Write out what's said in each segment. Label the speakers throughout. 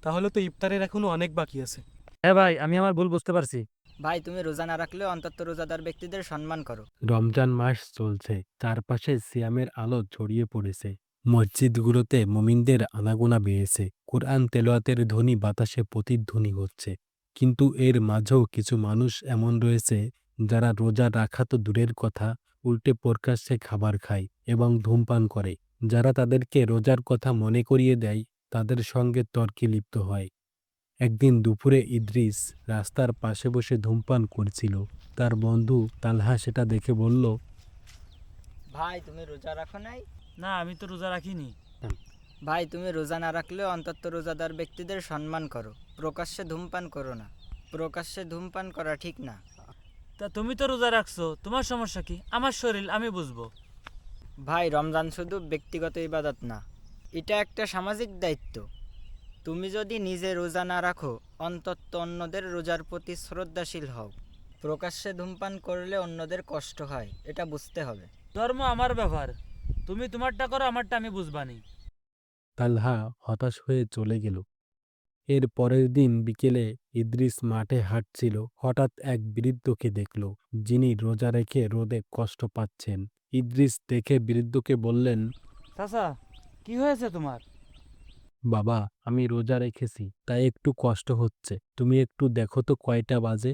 Speaker 1: তাহলে তো ইফতারের এখনো অনেক বাকি আছে।
Speaker 2: হ্যাঁ ভাই, আমি আমার ভুল বুঝতে পারছি।
Speaker 3: ভাই, তুমি রোজা না রাখলেও অন্তত রোজাদার ব্যক্তিদের সম্মান করো।
Speaker 4: রমজান মাস চলছে, চারপাশে সিয়ামের আলো ছড়িয়ে পড়েছে। মসজিদগুলোতে মুমিনদের আনাগোনা বেড়েছে, কোরআন তেলাওয়াতের ধ্বনি বাতাসে প্রতিধ্বনি হচ্ছে। কিন্তু এর মাঝেও কিছু মানুষ এমন রয়েছে যারা রোজা রাখা তো দূরের কথা, উল্টে প্রকাশ্যে খাবার খায় এবং ধূমপান করে। যারা তাদেরকে রোজার কথা মনে করিয়ে দেয়, তাদের সঙ্গে তর্কে লিপ্ত হয়। একদিন দুপুরে ইদ্রিস রাস্তার পাশে বসে ধূমপান করছিল। তার বন্ধু তালহা সেটা দেখে বলল,
Speaker 3: ভাই, তুমি রোজা রাখো নাই?
Speaker 2: না, আমি তো রোজা রাখিনি।
Speaker 3: ভাই, তুমি রোজা না রাখলেও অন্তত রোজাদার ব্যক্তিদের সম্মান করো। প্রকাশ্যে ধূমপান করো না। প্রকাশ্যে ধূমপান করা ঠিক না।
Speaker 2: তা তুমি তো রোজা রাখছো, তোমার সমস্যা কি? আমার শরীর, আমি বুঝবো।
Speaker 3: ভাই, রমজান শুধু ব্যক্তিগত ইবাদত না, এটা একটা সামাজিক দায়িত্ব। তুমি যদি নিজে রোজা না রাখো, অন্তত অন্যদের রোজার প্রতি শ্রদ্ধাশীল হও। প্রকাশ্যে ধূমপান করলে অন্যদের কষ্ট হয়, এটা বুঝতে হবে।
Speaker 2: ধর্ম আমার ব্যাপার, তুমি তোমারটা করো, আমারটা আমি বুঝবানি।
Speaker 4: তালহা হতাশ হয়ে চলে গেল। এর পরের দিন বিকেলে ইদ্রিস মাঠে হাঁটছিল। হঠাৎ এক বৃদ্ধকে দেখল, যিনি রোজা রেখে রোদে কষ্ট পাচ্ছেন। ইদ্রিস দেখে বৃদ্ধকে বললেন,
Speaker 2: চাচা, কি হয়েছে তোমার?
Speaker 4: বাবা, আমি রোজা রেখেছি, তাই একটু কষ্ট হচ্ছে। তুমি একটু দেখো তো কয়টা বাজে।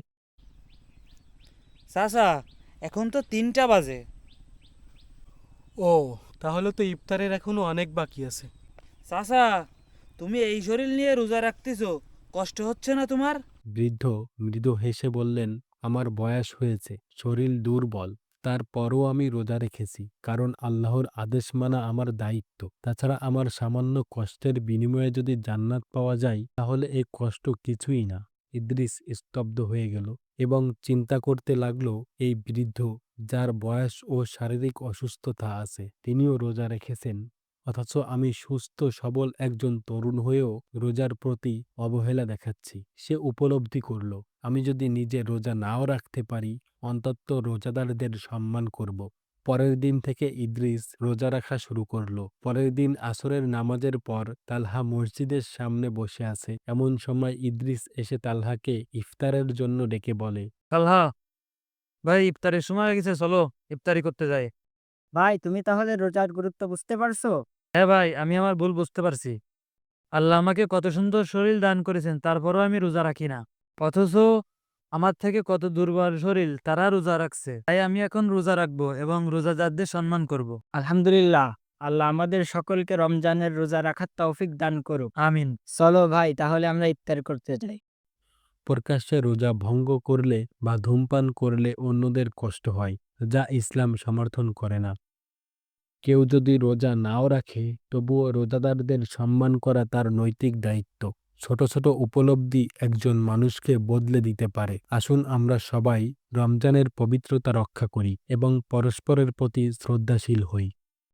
Speaker 2: চাচা, এখন তো 3টা বাজে।
Speaker 1: ও, তাহলে তো ইফতারের এখনো অনেক বাকি আছে।
Speaker 2: চাচা, তুমি এই শরীর নিয়ে রোজা রাখতেছো, কষ্ট হচ্ছে না তোমার?
Speaker 4: বৃদ্ধ মৃদু হেসে বললেন, আমার বয়স হয়েছে, শরীর দুর্বল, তারপরও আমি রোজা রেখেছি, কারণ আল্লাহর আদেশ মানা আমার দায়িত্ব। তাছাড়া আমার সামান্য কষ্টের বিনিময়ে যদি জান্নাত পাওয়া যায়, তাহলে এই কষ্ট কিছুই না। ইদ্রিস স্তব্ধ হয়ে গেল এবং চিন্তা করতে লাগলো, এই বৃদ্ধ, যার বয়স ও শারীরিক অসুস্থতা আছে, তিনিও রোজা রেখেছেন, অথচ আমি সুস্থ সবল একজন তরুণ হয়েও রোজার প্রতি অবহেলা দেখাচ্ছি। সে উপলব্ধি করল, আমি যদি নিজে রোজা নাও রাখতে পারি, অন্তত রোজাদারদের সম্মান করব। পরের দিন থেকে ইদ্রিস রোজা রাখা শুরু করলো। পরের দিন আসরের নামাজের পর তালহা মসজিদের সামনে বসে আছে। এমন সময় ইদ্রিস এসে তালহাকে ইফতারের জন্য ডেকে বলে,
Speaker 2: তালহা ভাই, ইফতারের সময় হয়ে গেছে, চলো ইফতারি করতে যাই।
Speaker 3: ভাই, তুমি তাহলে রোজার গুরুত্ব বুঝতে পারছো?
Speaker 2: হ্যাঁ ভাই, আমি আমার ভুল বুঝতে পারছি। আল্লাহ আমাকে কত সুন্দর শরীর দান করেছেন, তারপরও আমি রোজা রাখি না। অথচ আমার থেকে কত দুর্বল শরীর, তারা রোজা রাখছে। তাই আমি এখন রোজা রাখবো এবং রোজাদারদের সম্মান করব।
Speaker 3: আলহামদুলিল্লাহ, আল্লাহ আমাদের সকলকে রমজানের রোজা রাখার তৌফিক দান করুক।
Speaker 2: আমিন।
Speaker 3: চলো ভাই, তাহলে আমরা ইফতার করতে যাই।
Speaker 4: প্রকাশ্যে রোজা ভঙ্গ করলে বা ধূমপান করলে অন্যদের কষ্ট হয়, যা ইসলাম সমর্থন করে না। কেউ যদি রোজা নাও রাখে, তবুও রোজাদারদের সম্মান করা তার নৈতিক দায়িত্ব। ছোট ছোট উপলব্ধি একজন মানুষকে বদলে দিতে পারে। আসুন আমরা সবাই রমজানের পবিত্রতা রক্ষা করি এবং পরস্পরের প্রতি শ্রদ্ধাশীল হই।